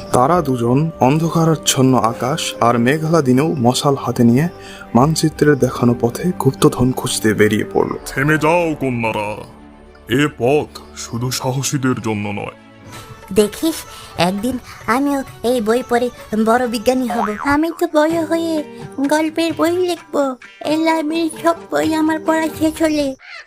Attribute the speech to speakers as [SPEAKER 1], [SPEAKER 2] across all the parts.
[SPEAKER 1] তারা দুজন অন্ধকারাচ্ছন্ন আকাশ আর মেঘলা দিনেও মশাল হাতে নিয়ে মানচিত্রের দেখানো পথে গুপ্তধন খুঁজতে বেরিয়ে পড়ল।
[SPEAKER 2] থেমে যাও কন্যারা, এ পথ শুধু সাহসীদের জন্য নয়।
[SPEAKER 3] দেখিস, একদিন আমিও এই বই পড়ে বড় বিজ্ঞানী হব। আমি তো বড় হয়ে গল্পের বই লিখবো। এই লাইব্রেরির সব বই আমার পড়া শেষ হলে।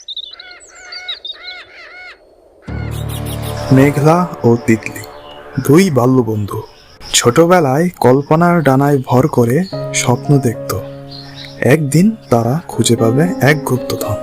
[SPEAKER 1] মেঘলা ও তিতলি দুই বাল্যবন্ধু ছোটবেলায় কল্পনার ডানায় ভর করে স্বপ্ন দেখত একদিন তারা খুঁজে পাবে এক গুপ্তধন।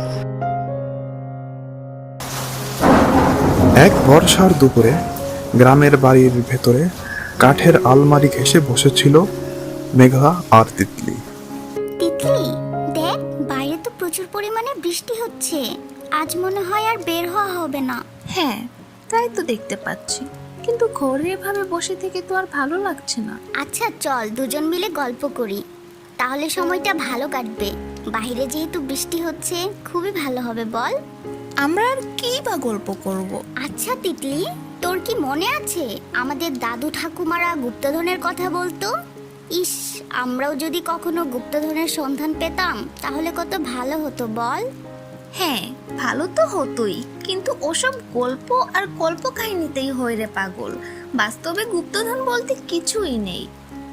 [SPEAKER 1] এক বর্ষার দুপুরে গ্রামের বাড়ির ভেতরে কাঠের আলমারি ঘেঁষে বসেছিল মেঘলা আর তিতলি।
[SPEAKER 4] তিতলি, দেখ বাইরে তো প্রচুর পরিমাণে বৃষ্টি হচ্ছে। আজ মনে হয় আর বের হওয়া হবে না।
[SPEAKER 5] হ্যাঁ, তাই তো দেখতে পাচ্ছি, কিন্তু ঘরে এভাবে বসে থেকে তো আর ভালো লাগছে না।
[SPEAKER 4] আচ্ছা চল দুজন মিলে গল্প করি, তাহলে সময়টা ভালো কাটবে। বাইরে যেহেতু বৃষ্টি হচ্ছে, খুবই ভালো হবে বল।
[SPEAKER 5] আমরা আর কি বা গল্প করব?
[SPEAKER 4] আচ্ছা তিতলি, তোর কি মনে আছে আমাদের দাদু ঠাকুমারা গুপ্তধনের কথা বলতো? ইস, আমরাও যদি কখনো গুপ্তধনের সন্ধান পেতাম তাহলে কত ভালো হতো বল।
[SPEAKER 5] হ্যাঁ, ভালো তো হতোই, কিন্তু ওসব গল্প আর কল্পকাহিনীতেই হয় রে পাগল। বাস্তবে গুপ্তধন বলতে কিছুই নেই।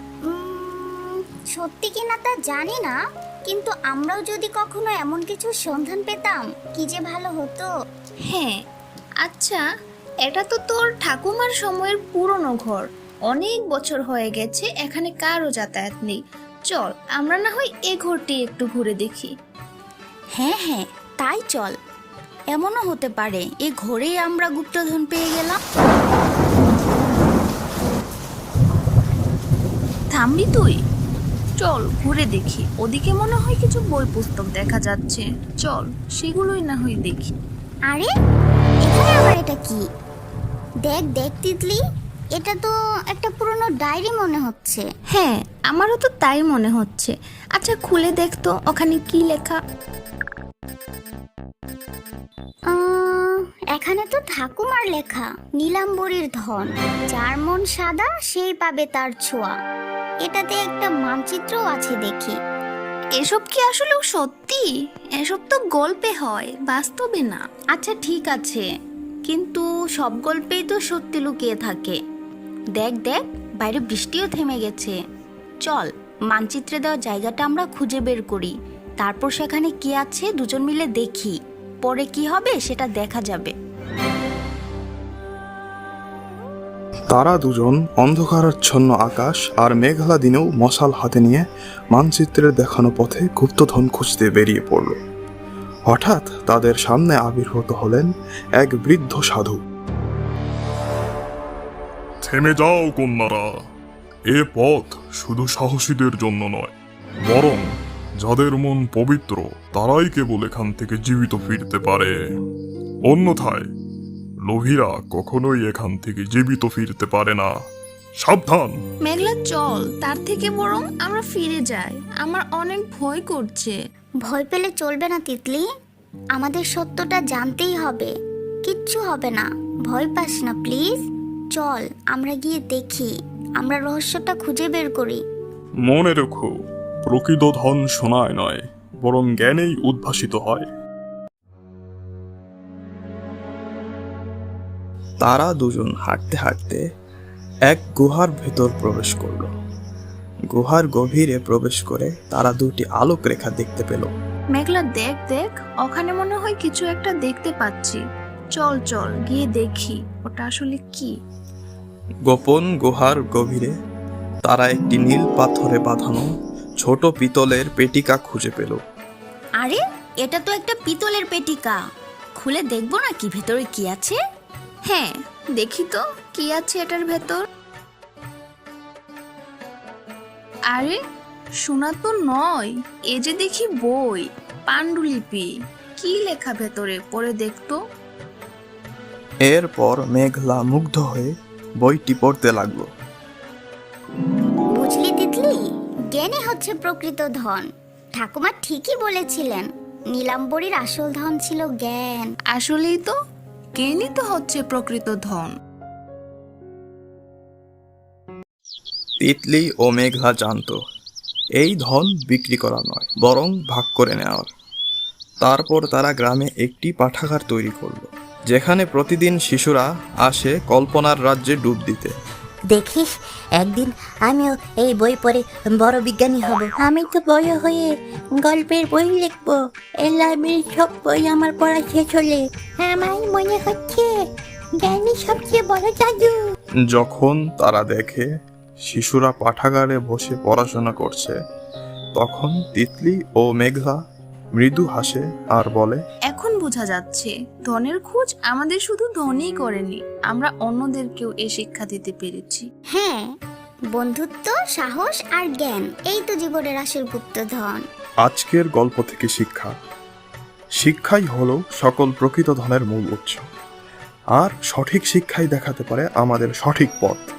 [SPEAKER 4] সত্যি কিনা তা জানি না, কিন্তু আমরাও যদি কখনো এমন কিছু সন্ধান পেতাম কি যে ভালো হতো।
[SPEAKER 5] হ্যাঁ, আচ্ছা, এটা তো তোর ঠাকুমার সময়ের পুরনো ঘর। অনেক বছর হয়ে গেছে, এখানে কারো যাতায়াত নেই। চল আমরা না হয় এ ঘরটি একটু ঘুরে দেখি।
[SPEAKER 3] হ্যাঁ হ্যাঁ, তাই চল। এমনও হতে পারে এই ঘরেই আমরা গুপ্তধন পেয়ে গেলাম।
[SPEAKER 5] থামবি তুই? চল ঘুরে দেখি, ওদিকে মনে হয় কিছু বই পুস্তক দেখা যাচ্ছে। চল সেগুলোই না হয় দেখি।
[SPEAKER 4] আরে এখানে আবার এটা কি? দেখ দেখ তিতলি, এটা তো একটা পুরনো ডায়েরি মনে হচ্ছে।
[SPEAKER 5] হ্যাঁ, আমারও তো তাই মনে হচ্ছে। আচ্ছা খুলে দেখ তো ওখানে কি লেখা।
[SPEAKER 4] এখানে তো ঠাকুমার লেখা, নীলাম্বরীর ধন, যার মন সাদা সেই পাবে তার ছোঁয়া। এটাতে একটা মানচিত্রও আছে দেখি।
[SPEAKER 5] এসব কি আসলেও সত্যি? এসব তো গল্পে হয়, বাস্তবে না।
[SPEAKER 3] আচ্ছা ঠিক আছে, কিন্তু সব গল্পেই তো সত্যি লুকিয়ে থাকে। দেখ দেখ, বাইরে বৃষ্টিও থেমে গেছে। চল মানচিত্রে দেওয়া জায়গাটা আমরা খুঁজে বের করি, তারপর সেখানে কি আছে দুজন মিলে দেখি। পরে কি হবে সেটা দেখা যাবে।
[SPEAKER 1] তারা দুজন অন্ধকারাচ্ছন্ন আকাশ আর মেঘলা দিনেও মশাল হাতে নিয়ে মানচিত্রের দেখানো পথে গুপ্তধন খুঁজতে বেরিয়ে পড়ল। হঠাৎ তাদের সামনে আবির্ভূত হলেন এক বৃদ্ধ সাধু।
[SPEAKER 2] থেমে যাও কন্যারা, এ পথ শুধু সাহসীদের জন্য নয়, বরং যাদের মন পবিত্র তারাই কেবল এখান থেকে জীবিত ফিরতে পারে। অন্যথায় লোভীরা কখনোই এখান থেকে জীবিত ফিরতে পারে না। সাবধান!
[SPEAKER 5] মেঘলা চল, তার থেকে বরং আমরা ফিরে যাই। আমার অনেক ভয় করছে।
[SPEAKER 4] ভয় পেলে চলবে না তিতলি, আমাদের সত্যটা জানতেই হবে। কিচ্ছু হবে না, ভয় পাস না প্লিজ। চল আমরা গিয়ে দেখি, আমরা রহস্যটা খুঁজে বের করি।
[SPEAKER 2] মনে রেখো, প্রকৃত ধন সোনায় নয়, বরং জ্ঞানেই উদ্ভাসিত হয়।
[SPEAKER 1] তারা দুজন হাঁটতে হাঁটতে এক গুহার ভেতর প্রবেশ করল। গুহার গভীরে প্রবেশ করে তারা দুটি আলোক রেখা দেখতে পেল।
[SPEAKER 5] মেঘলা দেখ দেখ, ওখানে মনে হয় কিছু একটা দেখতে পাচ্ছি। চল চল গিয়ে দেখি ওটা আসলে কি।
[SPEAKER 1] গোপন গুহার গভীরে তারা একটি নীল পাথরে বাঁধানো ছোট পিতলের পেটিকা খুঁজে পেল।
[SPEAKER 3] আরে এটা তো একটা পিতলের পেটিকা, খুলে দেখবো না কি ভেতরে কি আছে?
[SPEAKER 5] হ্যাঁ, দেখি তো কি আছে এটার ভেতর। আরে শোনা তো নয়, এ যে দেখি বই, পাণ্ডুলিপি। কি লেখা ভেতরে, পড়ে দেখতো।
[SPEAKER 1] এরপর মেঘলা মুগ্ধ হয়ে বইটি পড়তে লাগলো।
[SPEAKER 4] বুঝলি তিতলি, জ্ঞানই হচ্ছে প্রকৃত ধন। ঠাকুমা ঠিকই বলেছিলেন, নীলাম্বরীর আসল ধন ছিল জ্ঞান।
[SPEAKER 5] আসলেই তো, জ্ঞানই তো হচ্ছে প্রকৃত ধন।
[SPEAKER 1] তিতলি ও মেঘলা জানত এই ধন বিক্রি করা নয়, বরং ভাগ করে নেওয়ার। তারপর তারা গ্রামে একটি পাঠাগার তৈরি করলো, যেখানে প্রতিদিন শিশুরা আসে কল্পনার রাজ্যে ডুব দিতে।
[SPEAKER 6] দেখিস, একদিন আমিও এই বই পড়ে বড় বিজ্ঞানী হব। আমি তো বড় হয়ে গল্পের বই লিখবো। এই লাইব্রেরির সব বই আমার পড়া শেষ হলে আমার মনে হচ্ছে জ্ঞানী সবচেয়ে বড় জাদু।
[SPEAKER 1] যখন তারা দেখে শিশুরা পাঠাগারে বসে পড়াশোনা করছে, তখন তিতলি ও মেঘলা মৃদু হাসে আর বলে,
[SPEAKER 7] এখন বোঝা যাচ্ছে ধনের খোঁজ আমাদের শুধু ধনই করেনি, আমরা অন্যদেরকেও এই শিক্ষা দিতে পেরেছি।
[SPEAKER 4] হ্যাঁ, বন্ধুত্ব, সাহস আর জ্ঞান, এই তো জীবনের আসল গুপ্তধন।
[SPEAKER 1] আজকের গল্প থেকে শিক্ষা। শিক্ষাই হলো সকল প্রকৃত ধনের মূল উৎস, আর সঠিক শিক্ষাই দেখাতে পারে আমাদের সঠিক পথ।